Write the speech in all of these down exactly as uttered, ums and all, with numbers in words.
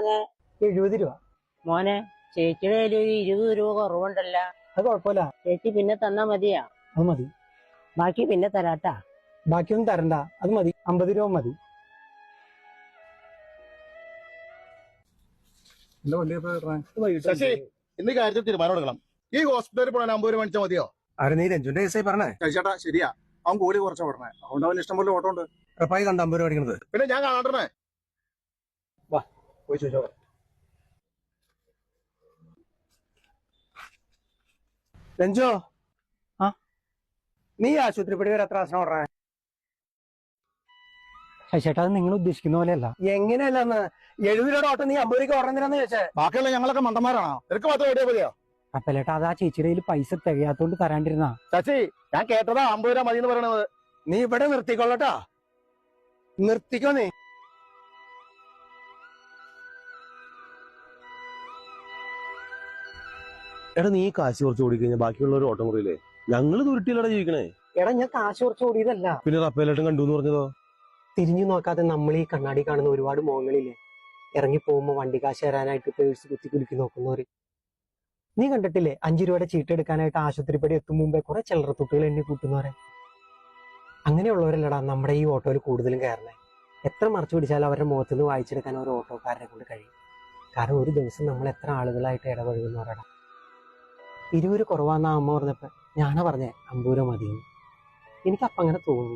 മോനെ? എഴുപത് രൂപ. മോനെ, ചേച്ചിയുടെ കയ്യിൽ ഒരു ഇരുപത് രൂപ കുറവുണ്ടല്ല. അത് കുഴപ്പമില്ല, ചേച്ചി പിന്നെ തന്നാ മതിയാ? അത് മതി. ബാക്കി പിന്നെ തരാട്ടാ. ബാക്കിയൊന്നും തരണ്ട, അത് മതി. അമ്പത് രൂപ മതി. ശശി, ഇന്ന് കാര്യത്തിൽ തീരുമാനം എടുക്കണം. ഈ ഹോസ്പിറ്റലിൽ പോകാൻ അമ്പത് രൂപ മേടിച്ചാൽ മതിയോ? ആര് നീ രഞ്ജുന്റെ കേസായി പറഞ്ഞേ? ചേട്ടാ ശരിയാ, അവൻ കൂലി കുറച്ചാ പറഞ്ഞേ. അതുകൊണ്ട് അവൻ ഇഷ്ടം പോലെ ഓട്ടം ഉണ്ട്. ഉറപ്പായി കണ്ട അമ്പത് രൂപ അടിക്കണത്. പിന്നെ ഞാൻ കാണണ്ടേ? വാ പോയി ചോദിച്ചോ. രഞ്ജോ, ആ നീ ആശുപത്രിപ്പടി വരെ എത്ര ആസനം ഓടണേ? ചേട്ടാ, അത് നിങ്ങൾ ഉദ്ദേശിക്കുന്ന പോലെയല്ല. എങ്ങനെയല്ലെന്ന് എഴുപത് രൂപയുടെ ഓട്ടം നീ അമ്പത് രൂപ ഓടുന്നതിനാന്ന് ചോദിച്ചേ. ബാക്കിയുള്ള ഞങ്ങളൊക്കെ മണ്ടന്മാരാണോ? നിനക്ക് മാത്രം ഓടിയാ മതിയോ? അപ്പലേട്ടാ, അത് ആ ചേച്ചിയുടെ കയ്യിൽ പൈസ തികയാത്തോണ്ട് തരാണ്ടിരുന്നാ. ശശി, ഞാൻ കേട്ടതാ അമ്പത് രൂപ മതി എന്ന് പറയണത്. നീ ഇവിടെ നിർത്തിക്കൊള്ളട്ടാ, നിർത്തിക്കോ നീ. എടാ, നീ കാശ് കുറച്ച് ഓടിക്കഴിഞ്ഞാൽ ബാക്കിയുള്ളവർ ഓട്ടം കുറയില്ലേ? ഞങ്ങള് ദുരുട്ടിയിലടാ ജീവിക്കണേ. എടാ, ഞാൻ കാശ് കുറച്ച് ഓടിയതല്ല. പിന്നെ റപ്പേലേട്ടൻ കണ്ടു എന്ന് പറഞ്ഞതോ? തിരിഞ്ഞു നോക്കാതെ നമ്മൾ ഈ കണ്ണാടി കാണുന്ന ഒരുപാട് മുഖങ്ങളില്ലേ, ഇറങ്ങി പോകുമ്പോ വണ്ടി കാശ് തരാനായിട്ട് പേഴ്സ് കുത്തി കുലുക്കി നോക്കുന്നവര്. നീ കണ്ടിട്ടില്ലേ അഞ്ചു രൂപയുടെ ചീട്ടെടുക്കാനായിട്ട് ആശുപത്രിപ്പടി എത്തും മുമ്പേ കുറെ ചില്ലറത്തുട്ടുകൾ എണ്ണി കൂട്ടുന്നവരെ? അങ്ങനെയുള്ളവരല്ലടാ നമ്മുടെ ഈ ഓട്ടോയിൽ കൂടുതലും കയറണേ. എത്ര മറച്ചു പിടിച്ചാലും അവരുടെ മുഖത്ത് നിന്ന് വായിച്ചെടുക്കാൻ ഒരു ഓട്ടോക്കാരനെ കൊണ്ട് കഴിയും. കാരണം ഒരു ദിവസം നമ്മൾ എത്ര ആളുകളായിട്ട് ഇടപഴകുന്നവരടാ. ഇരുപത് കുറവാന്നാ അമ്മ പറഞ്ഞപ്പോ ഞാനാ പറഞ്ഞേ അമ്പത് രൂപ മതിയെന്ന്. എനിക്കപ്പം അങ്ങനെ തോന്നി.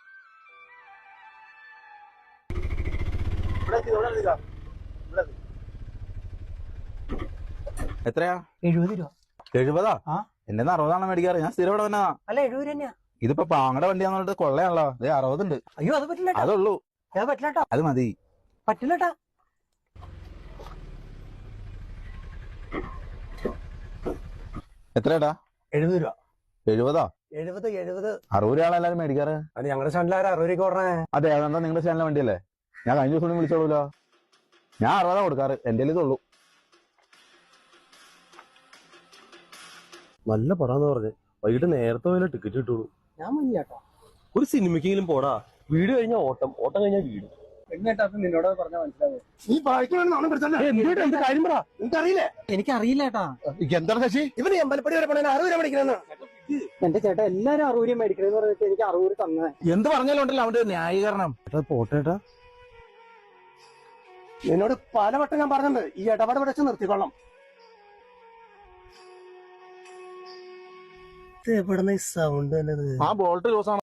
എത്രയാ? എഴുപത് രൂപ. എഴുപതാ? ആ, എന്റെ അറുപതാണ് മേടിക്കാറ്. ഞാൻ സ്ഥിരം ഇവിടെ വന്നതാ. അല്ല എഴുപത് തന്നെയാ. ഇതിപ്പോ പാങ്ങടെ വണ്ടിയാന്ന് പറഞ്ഞിട്ട് കൊള്ളയാണല്ലോ. അതേ അറുപതുണ്ട്. അയ്യോ, അത് പറ്റില്ല. അതുള്ളൂ. അത് പറ്റില്ലട്ടാ. അത് മതി. പറ്റില്ലട്ടാ. എത്രയാടാ? എഴുപത് രൂപ. എഴുപതാ? എഴുപത് എഴുപത് അറുപത് രൂപയാണ് എല്ലാരും മേടിക്കാറ്. അത് ഞങ്ങളുടെ സ്റ്റാൻഡിൽ അറുപത് രൂപ ഓടണേ. അതെ, അതെന്താ നിങ്ങളുടെ ചാനലിലെ വണ്ടിയല്ലേ? ഞാൻ കഴിഞ്ഞ ദിവസം വിളിച്ചോളൂല്ലോ. ഞാൻ അറുപതാ കൊടുക്കാറ്. എന്റെ ഇതുള്ളൂ. നല്ല പടാന്ന് പറഞ്ഞ് വൈകിട്ട് നേരത്തെ പോയാലേ ടിക്കറ്റ് കിട്ടുള്ളൂ. ഞാൻ മഞ്ഞാട്ടോ. ഒരു സിനിമയ്ക്കെങ്കിലും പോടാ. വീട് കഴിഞ്ഞാൽ ഓട്ടം, ഓട്ടം കഴിഞ്ഞാൽ വീട്. നിന്നോട് പറഞ്ഞാൽ മനസ്സിലാവും. നീ ബാക്കിയുള്ള എന്ത് കാര്യം പറ, നിനക്കറിയില്ലേ? എനിക്കറിയില്ല ചേട്ടാ. എന്താണ് ശശി? ഇവന് എമ്പലപ്പടി വരെ പോണേ അറുപത് രൂപ മേടിക്കണെന്ന്. എന്റെ ചേട്ടാ, എല്ലാരും അറുപത് രൂപ മേടിക്കണെന്ന് പറഞ്ഞിട്ട് എനിക്ക് അറുപത് രൂപ തന്നെ. എന്ത് പറഞ്ഞാലും ഉണ്ടല്ലോ അവന്റെ ന്യായീകരണം. പോട്ടേട്ടാ, നിന്നോട് പലവട്ടം ഞാൻ പറഞ്ഞിട്ടുണ്ട് ഈ ഇടപാട് പിടിച്ച് നിർത്തിക്കൊള്ളാം. എവിടെ ഈ സൗണ്ട് തന്നെ? ആ ബോൾട്ട് ലൂസാണ്.